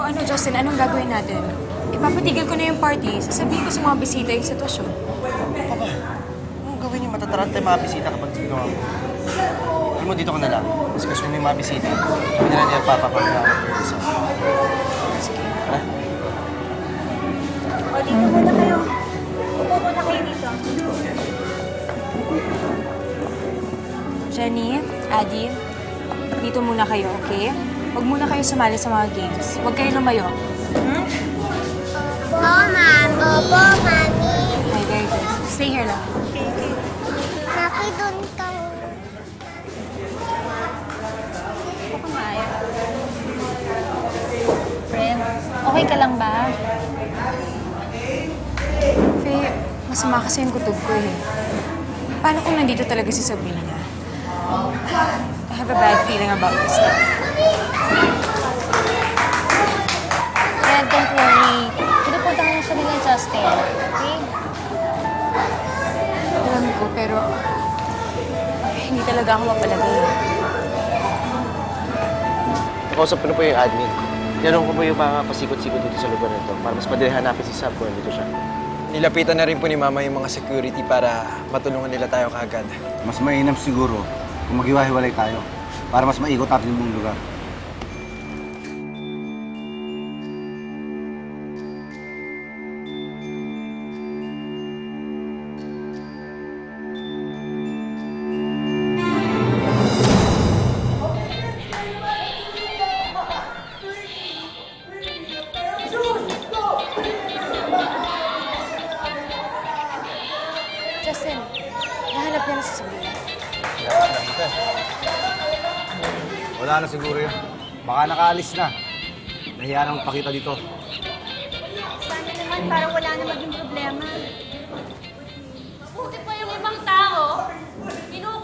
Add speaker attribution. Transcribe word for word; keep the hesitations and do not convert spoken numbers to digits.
Speaker 1: ano, Justin, anong gagawin natin? Ipapatigil ko na yung party, sasabihin ko sa mga bisita yung sitwasyon.
Speaker 2: Papa, anong gawin yung matataranta yung mga bisita kapag ginawa mo? Alam mo, dito ka na lang. Kasi kasunin mo yung mga bisita. Hindi na niya papapagkakot yung isa.
Speaker 1: Sige.
Speaker 2: Ha?
Speaker 3: O, dito muna kayo. Upo muna kayo dito.
Speaker 1: Jenny, Adi, dito muna kayo, okay? Huwag muna kayo sumali sa mga games. Huwag kayo lumayo.
Speaker 3: Hmm?
Speaker 4: Opo, ma'am. Opo, mami.
Speaker 1: Okay, very good. Stay here lang.
Speaker 3: Okay, okay.
Speaker 4: Maki, doon ka.
Speaker 3: Upo ka maayo. Friend, okay ka lang ba?
Speaker 1: Faye, masama kasi yung kutub ko eh. Paano kung nandito talaga si Sabrina? I have a bad feeling about this now.
Speaker 3: Kaya don't worry. Pinupunta ka na siya nila, Justin. Okay?
Speaker 1: Alam ko, pero hindi talaga ako mapalagay.
Speaker 2: Nakausap ko na po yung admin. Tinanong ko po yung mga pasikot-sikot dito sa lugar nito para mas madali hanapin si Sam kung nandito siya.
Speaker 5: Nilapitan na rin po ni Mama yung mga security para matulungan nila tayo kaagad.
Speaker 6: Mas mainam siguro kung maghiwa-hiwalay tayo para mas maikot natin yung buong lugar.
Speaker 1: Justin, nahanap niya na si Sabrina.
Speaker 6: Wala na siguro yun. Baka nakaalis na. Nahiya na magpakita dito.
Speaker 3: Sana naman parang wala na maging problema.
Speaker 7: Mabuti pa yung ibang tao. Kinuha